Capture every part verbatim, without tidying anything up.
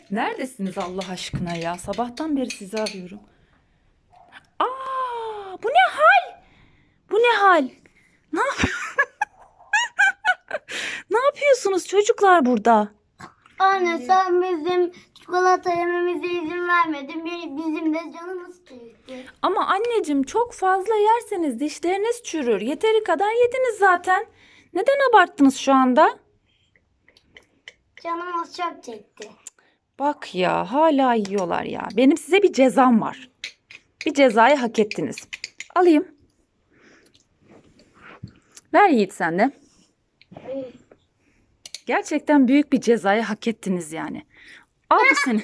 Neredesiniz Allah aşkına ya? Sabahtan beri sizi arıyorum. Aa, bu ne hal? Bu ne hal? Ne yap Ne yapıyorsunuz çocuklar burada? Anne sen bizim çikolata yememize izin vermedin. Bir- Bizim de canımız çekti. Ama anneciğim çok fazla yerseniz dişleriniz çürür. Yeteri kadar yediniz zaten. Neden abarttınız şu anda? Canımız çok çekti. Bak ya hala yiyorlar ya. Benim size bir cezam var. Bir cezayı hak ettiniz. Alayım. Ver Yiğit sen de. Gerçekten büyük bir cezayı hak ettiniz yani. Al bu seni.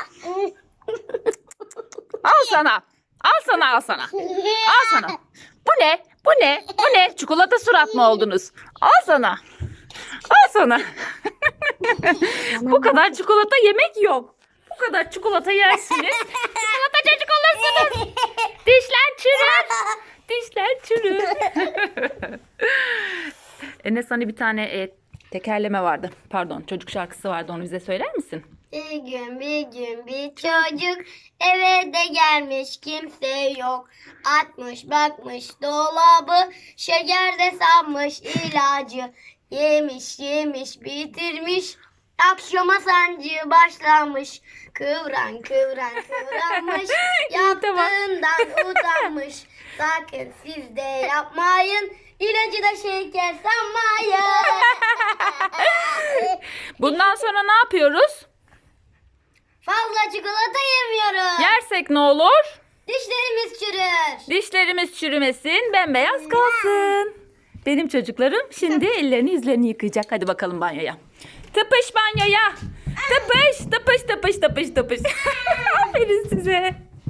Al sana. Al sana al sana. Al sana. Bu ne? Bu ne? Bu ne? Çikolata surat mı oldunuz? Al sana. Al sana. Bu kadar çikolata yemek yok. Bu kadar çikolata yersiniz. Çikolata çocuk olursunuz. Dişler çürür. Dişler çürür. Enes hani bir tane e, tekerleme vardı. Pardon çocuk şarkısı vardı. Onu bize söyler misin? Bir gün bir gün bir çocuk eve de gelmiş kimse yok. Atmış bakmış dolabı şeker de sanmış ilacı. Yemiş yemiş bitirmiş. Akşama sancı başlamış. Kıvran kıvran kıvranmış. Yaptığından utanmış. Sakın siz de yapmayın. İlacı da şeker sanmayın. Bundan sonra ne yapıyoruz? Fazla çikolata yemiyoruz. Yersek ne olur? Dişlerimiz çürür. Dişlerimiz çürümesin, bembeyaz kalsın. Benim çocuklarım şimdi ellerini yüzlerini yıkayacak. Hadi bakalım banyoya. Tıpış banyoya. Tıpış, tıpış, tıpış, tıpış, tıpış. Aferin size.